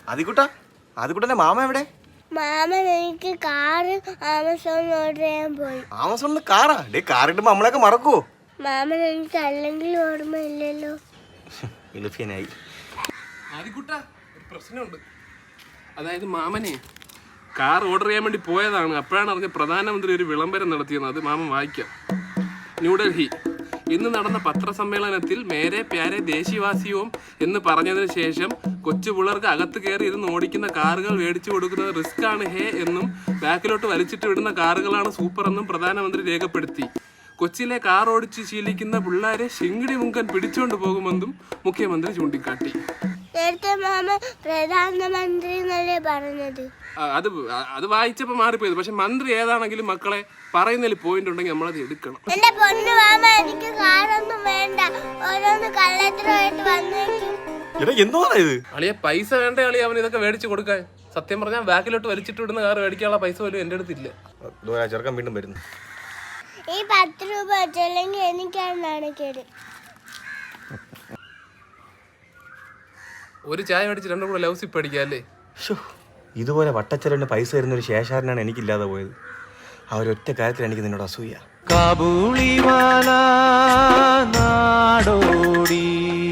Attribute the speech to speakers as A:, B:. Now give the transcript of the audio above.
A: ആദിക്കുട്ടന്റെ mama എവിടെ?
B: മാമൻ എനിക്ക് കാറ് ആമസോണിൽ ഓർഡർ ചെയ്യാൻ പോയി.
A: ആമസോണിൽ കാറാ? കാർ ഇടുമ്പോ നമ്മളൊക്കെ മറക്കുവോ?
B: മാമൻ എനിക്ക് അല്ലെങ്കിൽ ഓർമ്മയില്ലല്ലോ.
A: എളുപ്പനായി.
C: ആദിക്കുട്ട, ഒരു പ്രശ്നമുണ്ട്. അതായത് മാമനെ കാർ ഓർഡർ ചെയ്യാൻ വേണ്ടി പോയതാണ്. അപ്പോഴാണ് അറിഞ്ഞ പ്രധാനമന്ത്രി ഒരു വിളംബരം നടത്തിയെന്ന്. അത് മാമൻ വായിക്കാം. ന്യൂഡൽഹി, ഇന്ന് നടന്ന പത്രസമ്മേളനത്തിൽ മേരെ പ്യാരെ ദേശീയവാസിയും എന്ന് പറഞ്ഞതിന് ശേഷം കൊച്ചു പിള്ളേർക്ക് അകത്ത് കയറി ഇരുന്ന് ഓടിക്കുന്ന കാറുകൾ മേടിച്ചു കൊടുക്കുന്നത് റിസ്ക് ആണ് ഹേ എന്നും ബാക്കിലോട്ട് വലിച്ചിട്ട് വിടുന്ന കാറുകളാണ് സൂപ്പർ എന്നും പ്രധാനമന്ത്രി രേഖപ്പെടുത്തി. കൊച്ചിയിലെ കാർ ഓടിച്ച് ശീലിക്കുന്ന പിള്ളേരെ ശിങ്കിടി മുങ്കൻ പിടിച്ചുകൊണ്ട് പോകുമെന്നും മുഖ്യമന്ത്രി ചൂണ്ടിക്കാട്ടി.
B: നേരത്തെ മാമ പ്രധാനമന്ത്രി എന്നല്ലേ പറഞ്ഞത്?
C: അത് വായിച്ചപ്പോ മാറിപ്പോയത്. പക്ഷെ മന്ത്രി ഏതാണെങ്കിലും മക്കളെ പറയുന്നതിൽ പോയിന്റ് ഉണ്ടെങ്കിൽ നമ്മളത് എടുക്കണം.
B: എന്റെ പൊന്നു മാമ, എനിക്ക് കാറൊന്നും വേണ്ട. ഓരോന്ന് കള്ളത്തരമായിട്ട് വന്നേക്കും.
C: അളിയ പൈസ വേണ്ട അളിയ, അവൻ ഇതൊക്കെ മേടിച്ചു കൊടുക്കാൻ. സത്യം പറഞ്ഞാൽ ബാക്കിലോട്ട് വലിച്ചിട്ട് വിടുന്ന കാർ മേടിക്കാനുള്ള പൈസ പോലും എന്റെ അടുത്തില്ല.
A: ചെറുക്കൻ വീണ്ടും വരുന്നു.
B: ഈ 10 രൂപ വെച്ചല്ലെങ്കിൽ എനിക്കാണ് നാണക്കേട്.
C: ഒരു ചായ മേടിച്ച് 2 കൂടെ ലൗസി പഠിക്കാം അല്ലേ?
A: ഇതുപോലെ വട്ടച്ചെലവിന് പൈസ തരുന്ന ഒരു ശേഷാരനാണ് എനിക്കില്ലാതെ പോയത്. ആ ഒരൊറ്റ കാര്യത്തിൽ എനിക്ക് നിന്നോട് അസൂയ.
D: കാബൂളിവാല നാടോടി